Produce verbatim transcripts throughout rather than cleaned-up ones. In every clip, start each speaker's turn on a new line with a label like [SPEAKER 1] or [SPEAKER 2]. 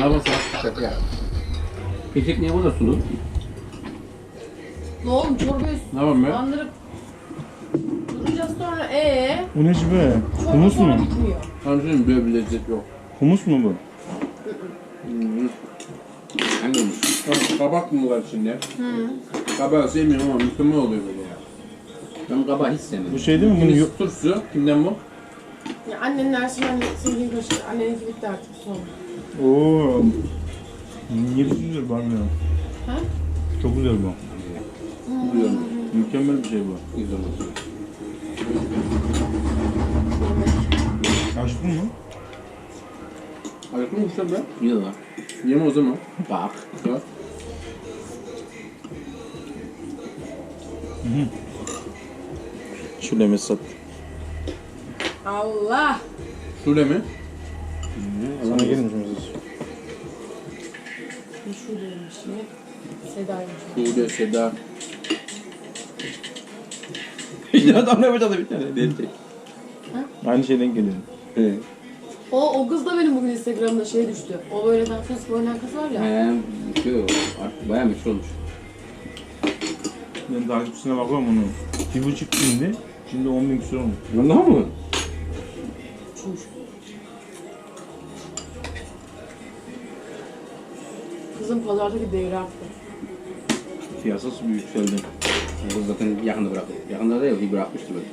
[SPEAKER 1] Ne yapalım şaka ya. Keşek niye bu da sulu?
[SPEAKER 2] Ne oğlum çorbayı
[SPEAKER 1] Ne yapalım be?
[SPEAKER 2] bandırıp duracağız sonra ee.
[SPEAKER 3] Bu ne şimdi be?
[SPEAKER 2] Çorba
[SPEAKER 3] Humus
[SPEAKER 2] sonra
[SPEAKER 3] mu?
[SPEAKER 2] bitmiyor.
[SPEAKER 1] Tamam şimdi böyle bir lezzet yok.
[SPEAKER 3] Humus mu bu?
[SPEAKER 1] Hmm. Hangi olmuş? Kabak mı var içinde?
[SPEAKER 2] Hı.
[SPEAKER 1] Kabağı sevmiyorum ama mükemmel oluyor böyle ya. Ben kabağı hiç sevmiyorum.
[SPEAKER 3] Bu şey değil mi? Bunu
[SPEAKER 1] Kimisi
[SPEAKER 3] yok.
[SPEAKER 1] turşu, kimden bu?
[SPEAKER 2] Ya annenin her şeyi anne sevdiğin kaşık. Anneninki bitti artık son.
[SPEAKER 3] Oo. Niye güzel bilmiyorum.
[SPEAKER 2] Ha?
[SPEAKER 3] Çok güzel bu.
[SPEAKER 1] Biliyorum.
[SPEAKER 3] Mükemmel bir şey bu.
[SPEAKER 1] Güzel olsun.
[SPEAKER 3] Açtın mı?
[SPEAKER 1] Ayaklı mı uçlar be?
[SPEAKER 4] Yok.
[SPEAKER 1] Yeme o zaman.
[SPEAKER 4] Bak.
[SPEAKER 1] Bak.
[SPEAKER 3] Şöyle mesat.
[SPEAKER 2] Allah.
[SPEAKER 1] Şule mi?
[SPEAKER 3] Sana gelmiş mesat.
[SPEAKER 2] Ne şu değilmiş ne? Seda'ymış.
[SPEAKER 1] Şule, Seda.
[SPEAKER 4] İşte adam ne yapacağız bir tane diyecek.
[SPEAKER 3] Aynı şeyden geliyor.
[SPEAKER 4] Evet.
[SPEAKER 2] O, o kız da benim bugün Instagram'da şey düştü. O böyle dans Facebook oynayan kız var ya.
[SPEAKER 4] He, şey o. Artık bayağı meşhur olmuş.
[SPEAKER 3] Ben takipçisine bakıyorum onun. Bir buçuk bindi. Şimdi on bin küsur olmuş.
[SPEAKER 4] Vallahi mı?
[SPEAKER 2] Çuş. Kızın pazardaki değeri arttı.
[SPEAKER 3] Piyasası bir yükseldi.
[SPEAKER 4] Bu zaten yakında bıraktı. Yakında da yok, bir bırakmıştı böyle.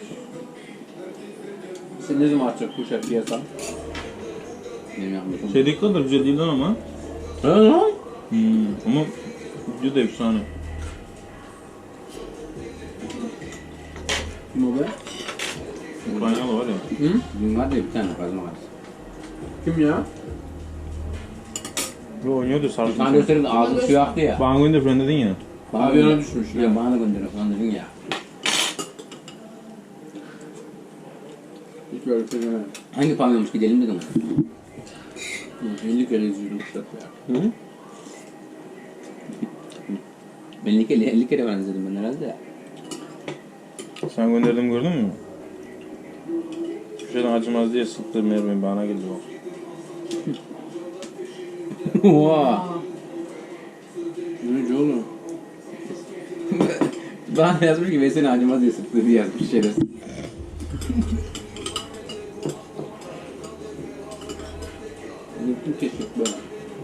[SPEAKER 1] Sen ne zaman açacak bu şarkı piyasa?
[SPEAKER 4] Benim yapmışım.
[SPEAKER 3] Şeydeki kadar güzel değil lan ama.
[SPEAKER 4] Ha?
[SPEAKER 3] Hmm. Ama video da efsane.
[SPEAKER 1] Kim o be?
[SPEAKER 3] Ukraynalı var ya.
[SPEAKER 1] Hı?
[SPEAKER 4] Dün vardı ya bir tane kazma var.
[SPEAKER 1] Kim ya?
[SPEAKER 3] Ve oynuyordu sarı.
[SPEAKER 4] Sana gösterin ağzı suyu aktı ya.
[SPEAKER 3] Bana gönder falan dedin ya.
[SPEAKER 4] Bana
[SPEAKER 1] Aviona
[SPEAKER 4] gönder-
[SPEAKER 1] düşmüş
[SPEAKER 4] Ya
[SPEAKER 1] ya.
[SPEAKER 4] bana gönder falan dedin ya.
[SPEAKER 1] Hiç böyle bir şey demedim.
[SPEAKER 4] Hangi pavyonmuş gidelim dedim.
[SPEAKER 1] Hı, elli kere izliyorum bu şarkı ya.
[SPEAKER 4] Hı? Ben elli kere, elli kere ben izledim ben herhalde ya.
[SPEAKER 3] Sen gönderdim gördün mü? Şeyden acımaz diye sıktı mermi bana geldi bak.
[SPEAKER 4] Oha!
[SPEAKER 2] Aa.
[SPEAKER 1] Ne oğlum?
[SPEAKER 4] Bana yazmış ki Veysel acımaz diye sıktı diye yazmış şerefsiz.
[SPEAKER 1] Unuttum keşke böyle.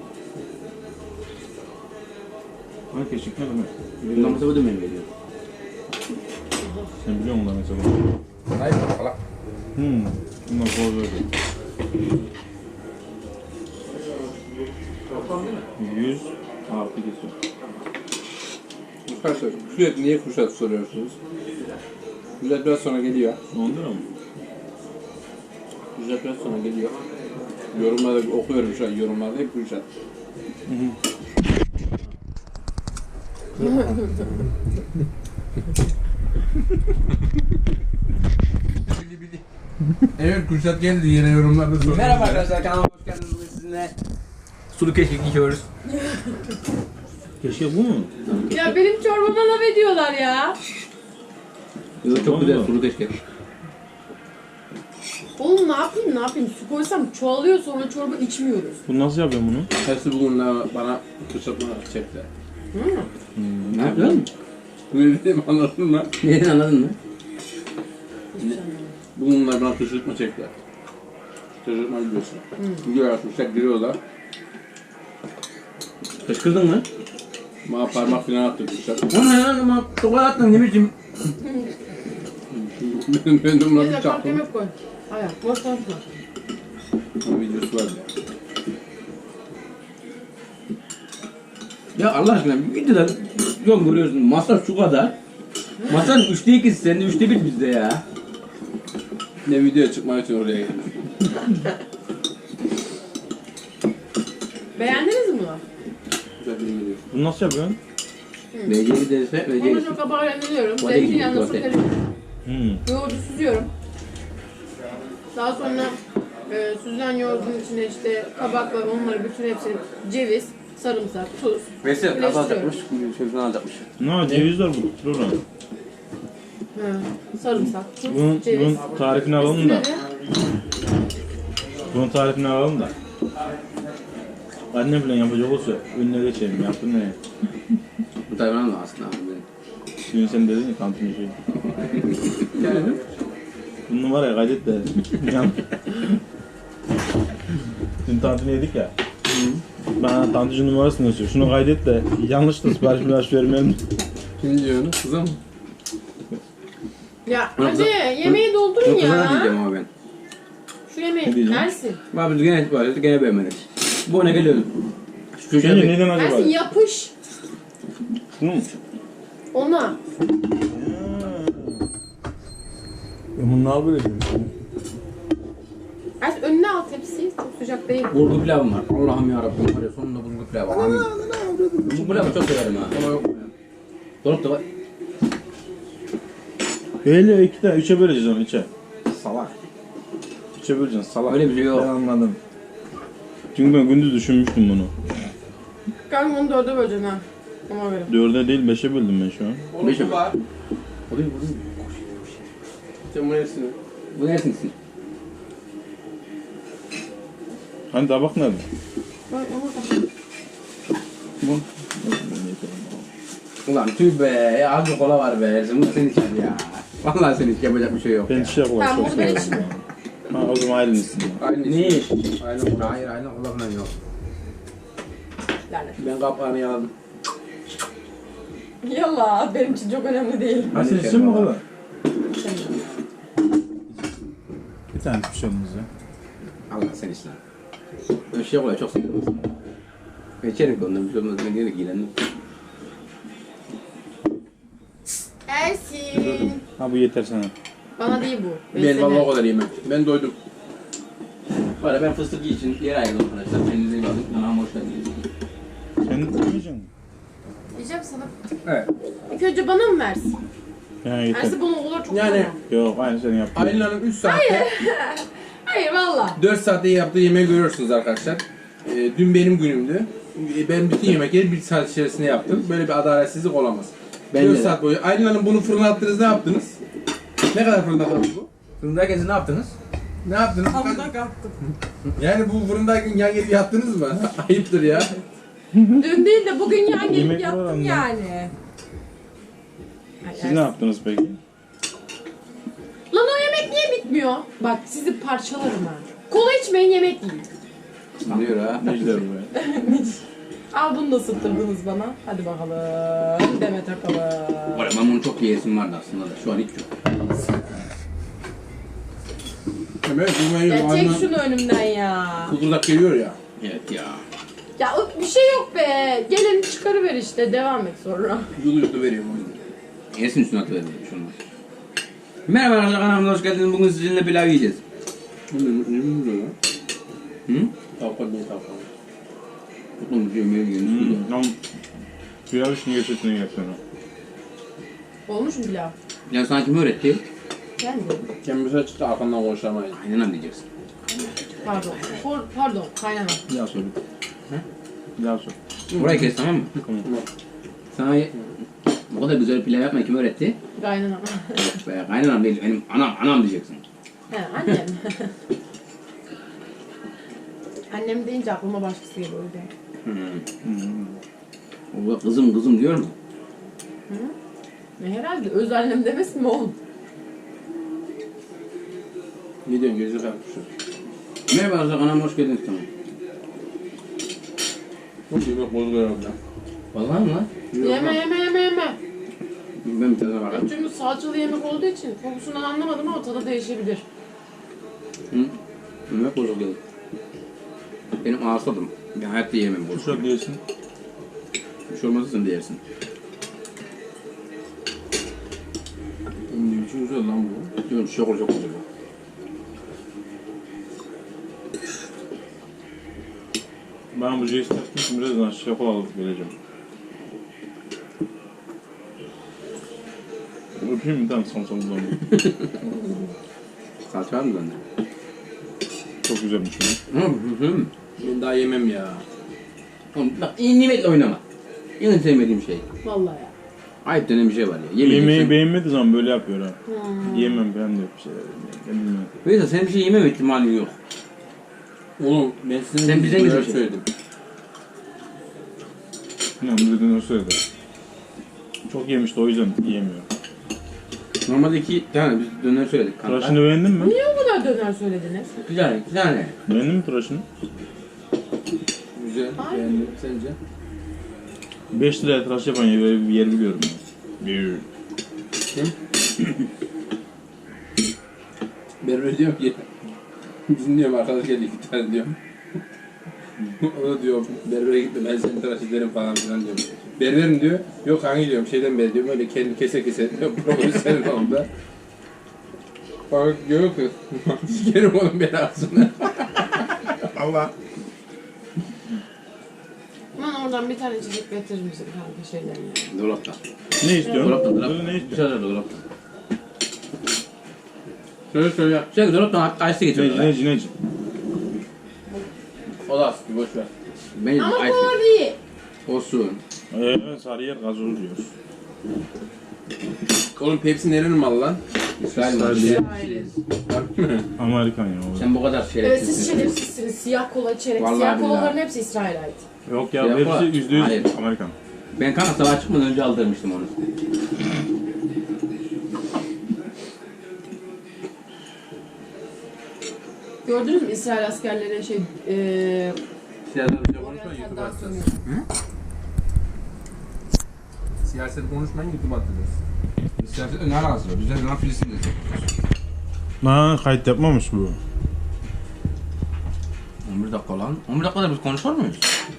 [SPEAKER 3] Hani keşik ne demek?
[SPEAKER 4] Bundan mesela bu da benim veriyor.
[SPEAKER 3] Sen biliyor musun lan mesela?
[SPEAKER 4] Hayır falan.
[SPEAKER 3] Hmm. Bundan sonra böyle. yüz artı kesiyor.
[SPEAKER 1] Arkadaşlar sürekli niye kuşat soruyorsunuz? Güzel biraz sonra geliyor.
[SPEAKER 3] on lira mı?
[SPEAKER 1] Güzel biraz sonra geliyor. Yorumlarda okuyorum şu an yorumlarda hep kuşat. Evet kuşat geldi yine yorumlarda soruyorsunuz.
[SPEAKER 4] Merhaba arkadaşlar, kanalıma hoş geldiniz. Bugün sizinle sulu keşkek yiyoruz.
[SPEAKER 3] Keşke bu mu?
[SPEAKER 2] Ya benim çorbama laf ediyorlar ya.
[SPEAKER 4] Yok, çok güzel sulu keşkek.
[SPEAKER 2] Oğlum ne yapayım ne yapayım su koysam çoğalıyor sonra çorba içmiyoruz.
[SPEAKER 3] Bu nasıl yapıyorsun bunu?
[SPEAKER 1] Hepsi bugün bana kuşatma çekti.
[SPEAKER 2] Hı?
[SPEAKER 4] Ne yapıyorsun?
[SPEAKER 1] Ne dedim anladın mı?
[SPEAKER 4] Neden anladın mı?
[SPEAKER 1] Bugün bana kışırtma çektiler. Kışırtma biliyorsun. Gidiyor açmışlar giriyorlar.
[SPEAKER 4] Kışkırdın mı?
[SPEAKER 1] Bana parmak falan attı kuşat.
[SPEAKER 4] O ne lan ama sokağa attın ne biçim?
[SPEAKER 1] ben, ben de bunları
[SPEAKER 2] Neyse
[SPEAKER 1] bir
[SPEAKER 2] kalk
[SPEAKER 1] çaktım.
[SPEAKER 2] yemek koy. Hayır boş konuşma.
[SPEAKER 1] Onun videosu vardı ya.
[SPEAKER 4] Ya Allah aşkına bir videoda yok görüyorsun masraf şu kadar. Masraf üçte ikisi sende üçte bir bizde ya.
[SPEAKER 1] Ne video çıkmak için oraya geldim.
[SPEAKER 2] Beğendiniz mi bunu?
[SPEAKER 1] Güzel bir video.
[SPEAKER 3] Bunu nasıl yapıyorsun?
[SPEAKER 4] V C giderse V C
[SPEAKER 2] Onu çok kabağı rendeliyorum.
[SPEAKER 4] Tuvalete
[SPEAKER 2] Zeytin
[SPEAKER 4] gidiyor,
[SPEAKER 2] yanına su
[SPEAKER 4] tuvalete.
[SPEAKER 2] karıştırıyorum.
[SPEAKER 3] Hmm.
[SPEAKER 2] Yoğurdu süzüyorum. Daha sonra e, süzülen yoğurdun içine işte kabaklar, onları bütün hepsini ceviz, sarımsak, tuz.
[SPEAKER 4] Veysel
[SPEAKER 2] birleştiriyorum.
[SPEAKER 4] az alacakmış, şöyle alacakmış.
[SPEAKER 3] Ne ceviz var bu. Dur lan.
[SPEAKER 2] Hı, sarımsak, tuz,
[SPEAKER 3] Bunun,
[SPEAKER 2] ceviz.
[SPEAKER 3] bunun tarifini alalım da.
[SPEAKER 2] Üstüne de
[SPEAKER 3] Bunun tarifini alalım da. Annem falan yapacak olsa önüne geçelim. Yaptın ne?
[SPEAKER 4] Bu tayfana mı aslında abi?
[SPEAKER 3] Dün sen dedin ya kantin şey.
[SPEAKER 1] Yani.
[SPEAKER 3] Bu numarayı kaydet de. Yan- Dün tantuni yedik ya. Bana tantucu numarasını yazıyor. Şunu kaydet de yanlış da sipariş sipariş vermeyelim.
[SPEAKER 1] Kim diyor onu? Kıza mı?
[SPEAKER 2] Ya
[SPEAKER 4] Bunu
[SPEAKER 2] hadi
[SPEAKER 4] kıza-
[SPEAKER 2] yemeği doldurun
[SPEAKER 4] Bunu kızana
[SPEAKER 2] ya.
[SPEAKER 4] diyeceğim ama ben.
[SPEAKER 2] Şu yemeği
[SPEAKER 3] Ne diyeceğim?
[SPEAKER 2] Ersin.
[SPEAKER 4] Abi biz gene böyle gene beğenmedik. Bu ne geliyordu? Şu çocuğa
[SPEAKER 3] Sence
[SPEAKER 4] bir...
[SPEAKER 3] neden acaba?
[SPEAKER 2] Ersin yapış
[SPEAKER 3] Şunu mu?
[SPEAKER 2] ona.
[SPEAKER 3] Ya bunu ne yapıyor?
[SPEAKER 2] Ersin önüne al tepsiyi. Çok sıcak değil.
[SPEAKER 4] Bulgur pilavım var. Allah'ım yarabbim var ya sonunda bulgur pilavı. Amin. Bulgur pilavı çok severim ha.
[SPEAKER 1] Ama yok.
[SPEAKER 4] Dolap da var.
[SPEAKER 3] Öyle iki tane, üçe böleceğiz onu içe.
[SPEAKER 1] Salak.
[SPEAKER 3] Üçe böleceksin salak.
[SPEAKER 4] Öyle bir şey yok.
[SPEAKER 3] Ben anladım. Çünkü ben gündüz düşünmüştüm bunu.
[SPEAKER 2] Kanka onu dörde böleceksin ha. Ona göre.
[SPEAKER 3] Dörde değil beşe böldüm ben şu an.
[SPEAKER 1] Oğlum
[SPEAKER 4] Beş
[SPEAKER 1] bu
[SPEAKER 4] mi?
[SPEAKER 1] var.
[SPEAKER 4] O değil bu değil.
[SPEAKER 1] Sen bunu yersin.
[SPEAKER 4] Bu nersin sen?
[SPEAKER 3] Hani tabak nerede?
[SPEAKER 2] Bak ona da.
[SPEAKER 3] Bu.
[SPEAKER 4] Ulan tüh be. Ya az bir kola var be. Ersin bu sen içer ya. Vallahi sen hiç yapacak bir şey yok
[SPEAKER 3] Ben
[SPEAKER 4] ya.
[SPEAKER 3] çiçek olarak
[SPEAKER 2] Tamam,
[SPEAKER 3] çok
[SPEAKER 2] bunu ben
[SPEAKER 3] severim.
[SPEAKER 2] içmem.
[SPEAKER 3] Ha o zaman ayrılmışsın.
[SPEAKER 1] Aynı
[SPEAKER 4] Ne?
[SPEAKER 1] Aynı kola.
[SPEAKER 4] Hayır aynı kola falan yok.
[SPEAKER 2] Lanet.
[SPEAKER 1] Ben kapağını yaladım.
[SPEAKER 2] Yalla benim için çok önemli değil.
[SPEAKER 3] Ha sen içsin mi o kadar?
[SPEAKER 2] Sen
[SPEAKER 3] Bir tane bir şey olmaz ya.
[SPEAKER 4] Allah sen içsin. Ben şey kolayı çok seviyorum aslında. Ben içerim ki ondan bir şey olmaz. Ben diyorum ki iğrendim.
[SPEAKER 2] Ersin.
[SPEAKER 3] Ha bu yeter sana.
[SPEAKER 2] Bana değil bu.
[SPEAKER 1] Ben vallahi o kadar yemem. Ben doydum.
[SPEAKER 4] Valla ben fıstık için yer ayırdım arkadaşlar. Kendinize iyi bakın. Kanalıma hoş geldiniz.
[SPEAKER 3] Sen yiyeceksin mi?
[SPEAKER 2] Diyeceğim sana.
[SPEAKER 1] Evet.
[SPEAKER 2] İlk önce bana mı versin?
[SPEAKER 3] Ha yeter.
[SPEAKER 2] Ersin bunu olur çok
[SPEAKER 1] Yani-
[SPEAKER 2] bana.
[SPEAKER 3] Yok aynı seni yaptım.
[SPEAKER 1] Aylin Hanım üç saatte,
[SPEAKER 2] Hayır valla.
[SPEAKER 1] dört saatte yaptığı yemeği görüyorsunuz arkadaşlar. Ee, dün benim günümdü. Ee, Ben bütün yemekleri bir saat içerisinde yaptım. Böyle bir adaletsizlik olamaz.
[SPEAKER 4] Bence
[SPEAKER 1] dört
[SPEAKER 4] de.
[SPEAKER 1] saat boyu. Aylin Hanım bunu fırına attınız, ne yaptınız? Ne kadar fırında kaldı bu?
[SPEAKER 4] Fırındayken ne yaptınız?
[SPEAKER 1] Ne yaptınız?
[SPEAKER 2] Hamurdan kalktım.
[SPEAKER 1] Yani bu fırındayken yan gelip yattınız mı? Ayıptır ya.
[SPEAKER 2] Dün değil de bugün yan
[SPEAKER 3] Yemek
[SPEAKER 2] gelip
[SPEAKER 3] var
[SPEAKER 2] yattım
[SPEAKER 3] anne.
[SPEAKER 2] yani. Ay,
[SPEAKER 3] Siz
[SPEAKER 2] Ersin.
[SPEAKER 3] ne yaptınız peki?
[SPEAKER 2] Lan o yemek niye bitmiyor? Bak sizi parçalarım ha. Kola içmeyin yemek yiyin.
[SPEAKER 4] Sanıyor ha.
[SPEAKER 3] Necder bu ya.
[SPEAKER 2] Al bunu da sıktırdınız bana. Hadi bakalım. Deme takalım.
[SPEAKER 4] Valla ben bunu çok yiyesim vardı aslında da. Şu an hiç yok.
[SPEAKER 1] Evet, yemeği
[SPEAKER 2] Ya
[SPEAKER 1] Aylin
[SPEAKER 2] çek
[SPEAKER 1] Hanım
[SPEAKER 2] şunu önümden ya.
[SPEAKER 1] kudurdak geliyor ya.
[SPEAKER 4] Evet ya.
[SPEAKER 2] Ya o- bir şey yok be. Gelin çıkarıver işte. Devam et sonra.
[SPEAKER 1] Yulu yulu veriyorum o yüzden.
[SPEAKER 4] Yesin üstüne atıverelim şunu. Merhaba arkadaşlar kanalıma hoş geldiniz. Bugün sizinle pilav yiyeceğiz.
[SPEAKER 1] Ne ne ne ne lan?
[SPEAKER 4] Hı?
[SPEAKER 1] Tavuklar niye tavuklar?
[SPEAKER 4] Kutlumuz yemeğe yiyoruz.
[SPEAKER 3] Hmm, tamam. Pilav için geçesini yapıyorum.
[SPEAKER 2] Olmuş mu pilav?
[SPEAKER 4] Ya sana kim öğretti?
[SPEAKER 2] Ben de.
[SPEAKER 1] Kendimize çıktı arkandan konuşamayız.
[SPEAKER 4] Aynen anlayacaksın.
[SPEAKER 2] Pardon. Por- pardon. Kaynana.
[SPEAKER 3] Bir daha sor. Bir daha sor.
[SPEAKER 4] Burayı kes tamam mı?
[SPEAKER 3] Tamam.
[SPEAKER 4] Sana bu kadar güzel pilav yapmayı kim öğretti?
[SPEAKER 2] Kaynana.
[SPEAKER 4] Yok be kaynanam değil benim anam anam diyeceksin.
[SPEAKER 2] He annem. Annem deyince aklıma başkası geliyor. öyle.
[SPEAKER 4] Hmm. O kızım kızım diyor mu?
[SPEAKER 2] Ne herhalde öz annem demesin mi oğlum?
[SPEAKER 1] Ne diyorsun gözü kalkmışsın.
[SPEAKER 4] Merhaba arkadaşlar kanalıma hoş geldiniz tamam.
[SPEAKER 1] Çok yemek bozuluyor orada.
[SPEAKER 4] Vallahi mi lan?
[SPEAKER 2] Yeme yeme yeme yeme.
[SPEAKER 4] Ben bir tadına
[SPEAKER 2] Ya
[SPEAKER 4] bakalım.
[SPEAKER 2] çünkü salçalı yemek olduğu için kokusundan anlamadım ama tadı değişebilir.
[SPEAKER 4] Hı? Yemek bozuk geldi. Benim ağız tadım. Ben hayatta yiyemem bozuk.
[SPEAKER 3] Kuşak diyesin.
[SPEAKER 4] Bir şey olmazsa sen de yersin.
[SPEAKER 1] Ne biçim güzel lan bu.
[SPEAKER 4] Diyorum şok olacak olacak.
[SPEAKER 3] Ben bu Jason için birazdan şaka alıp geleceğim. Öpeyim mi? Tamam son son bulalım.
[SPEAKER 4] Salça var mı bende?
[SPEAKER 3] Çok güzelmiş bu.
[SPEAKER 4] Hı hı hı.
[SPEAKER 1] Ben daha yemem ya.
[SPEAKER 4] Oğlum bak iyi nimetle oynama. En sevmediğim şey.
[SPEAKER 2] Vallahi ya.
[SPEAKER 4] Ayıp denen bir şey var ya.
[SPEAKER 3] Yemeği
[SPEAKER 4] Yemeyeceksin.
[SPEAKER 3] beğenmediği zaman böyle yapıyor ha.
[SPEAKER 2] Hmm.
[SPEAKER 3] Yiyemem ben de bir şeyler. Ben bilmiyorum.
[SPEAKER 4] Veysel senin bir şey yemem ihtimalin yok.
[SPEAKER 1] Oğlum ben sizin
[SPEAKER 4] Sen bize
[SPEAKER 1] böyle
[SPEAKER 4] gideceksin.
[SPEAKER 1] söyledim.
[SPEAKER 3] Yani bir döner söyledi. Çok yemişti o yüzden yiyemiyorum.
[SPEAKER 4] Normalde iki tane biz döner söyledik kanka.
[SPEAKER 3] Tıraşını beğendin mi?
[SPEAKER 2] Niye o kadar döner söylediniz?
[SPEAKER 4] Bir tane, iki tane.
[SPEAKER 3] Beğendin mi tıraşını?
[SPEAKER 1] Güzel.
[SPEAKER 2] Ay.
[SPEAKER 1] Beğendim. Sence?
[SPEAKER 3] beş liraya tıraş yapan yer, bir yer biliyorum ben. Bir.
[SPEAKER 1] Berber diyorum ki bizim diyorum arkadaş geldi iki tane diyorum. O da diyor berbere gitme ben seni tıraş ederim falan filan diyorum. Berberim diyor. Yok hangi diyorum şeyden beri diyorum öyle kendi kese kese diyor. Profesyonel oldu. Bak diyor ki sikerim onun belasını. Allah.
[SPEAKER 2] Bana oradan bir tane içecek getirir misin kanka şeylerine?
[SPEAKER 4] Dolapta.
[SPEAKER 3] Ne istiyorsun?
[SPEAKER 4] Dolapta,
[SPEAKER 3] Böyle
[SPEAKER 4] dolapta.
[SPEAKER 3] ne
[SPEAKER 4] Bir
[SPEAKER 3] istiyorsun?
[SPEAKER 4] şeyler dolapta.
[SPEAKER 1] Söyle söyle.
[SPEAKER 4] Şey dolaptan ice
[SPEAKER 3] Neci
[SPEAKER 4] geçiyor.
[SPEAKER 3] neci neci.
[SPEAKER 1] O da aslında boş ver.
[SPEAKER 4] Ben
[SPEAKER 2] Ama
[SPEAKER 4] ice
[SPEAKER 2] kola değil.
[SPEAKER 4] olsun.
[SPEAKER 3] Eee Sarıyer gazoz diyor.
[SPEAKER 1] Oğlum Pepsi nerenin malı lan?
[SPEAKER 4] İsrail var.
[SPEAKER 3] İsrail.
[SPEAKER 1] Harbi mi?
[SPEAKER 3] Amerikan ya o.
[SPEAKER 4] Sen bu kadar
[SPEAKER 2] Evet, siz
[SPEAKER 4] şerefsizsin.
[SPEAKER 2] şerefsizsiniz. Siyah kola içerek.
[SPEAKER 4] Vallahi
[SPEAKER 2] Siyah
[SPEAKER 4] billahi.
[SPEAKER 2] kolaların hepsi İsrail'e ait.
[SPEAKER 3] Yok ya
[SPEAKER 4] Siyah kola.
[SPEAKER 3] hepsi yüzde yüz
[SPEAKER 4] Hayır.
[SPEAKER 3] Amerikan.
[SPEAKER 4] Ben kanka sabah çıkmadan önce aldırmıştım onu.
[SPEAKER 2] Gördünüz mü İsrail askerleri şey eee
[SPEAKER 4] Siyahlar bir şey
[SPEAKER 1] Konuşma
[SPEAKER 2] Oriental'dan
[SPEAKER 1] YouTube'a
[SPEAKER 2] sonra.
[SPEAKER 1] Siyaset konuşmayın YouTube'a atacağız.
[SPEAKER 4] Siyasetle ne alakası var? Biz de lan Filistin'de.
[SPEAKER 3] Ha kayıt yapmamış bu.
[SPEAKER 4] on bir dakika lan. on bir dakikada biz konuşur muyuz?